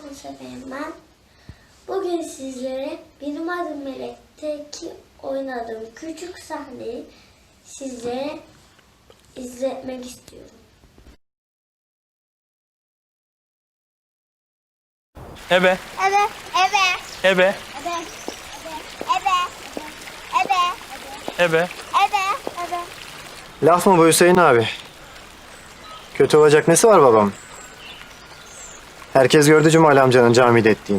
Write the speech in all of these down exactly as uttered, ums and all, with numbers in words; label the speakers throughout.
Speaker 1: Musafir'im ben. Bugün sizlere Benim Adım Melek'teki oynadığım küçük sahneyi sizlere izletmek istiyorum.
Speaker 2: Ebe,
Speaker 3: Ebe, ebe,
Speaker 2: ebe,
Speaker 3: ebe, ebe, ebe,
Speaker 2: ebe.
Speaker 3: ebe, ebe.
Speaker 4: Laf mı bu Hüseyin abi? Kötü olacak nesi var babam? Herkes gördü Cumali amcanın camide ettiğini.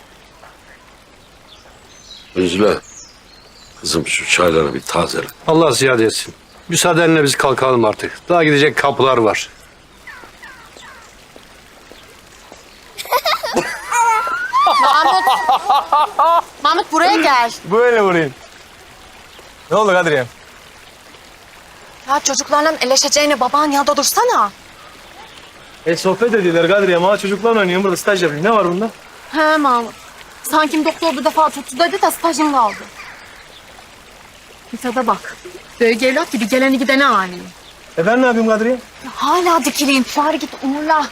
Speaker 5: Üzle. Kızım şu çayları bir tazele.
Speaker 6: Allah ziyade etsin. Müsaadenle biz kalkalım artık. Daha gidecek kapılar var.
Speaker 7: Mahmut. Mahmut buraya gel.
Speaker 2: Böyle vurayım. Ne oldu Kadriye?
Speaker 7: Ya çocuklarla eleşeceğine baban yanında dursana.
Speaker 2: E sohbet ediyorlar Kadriye. Ama çocuklarla oynuyorum burada staj yapayım. Ne var bunda?
Speaker 7: He Mahmut. Sanki doktor bir defa tuttu dedi de stajın kaldı. Mithat'a bak. Böyle evlat gibi geleni gideni ani.
Speaker 2: E ben ne yapayım Kadriye?
Speaker 7: Ya hala dikileyim. Bari git umurla.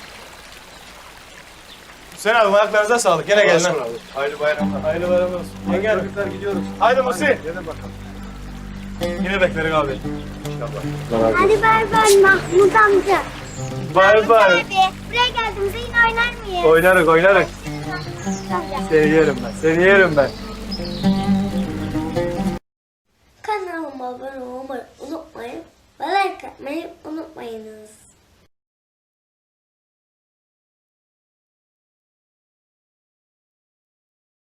Speaker 2: Hüseyin abi ayaklarınıza sağlık. Gene gel lan. Hayırlı bayramlar. Hayırlı bayramlar olsun. Hadi gel. Çocuklar gidiyoruz. Haydi Musi. Hadi bakalım. Yine bekleriz abi.
Speaker 3: Hadi bay bay Mahmut amca.
Speaker 2: Bay bay.
Speaker 3: Abi, buraya geldiğimizde yine oynar mıyız?
Speaker 2: Oynarız oynarız. Seni yerim ben. Seni yerim ben.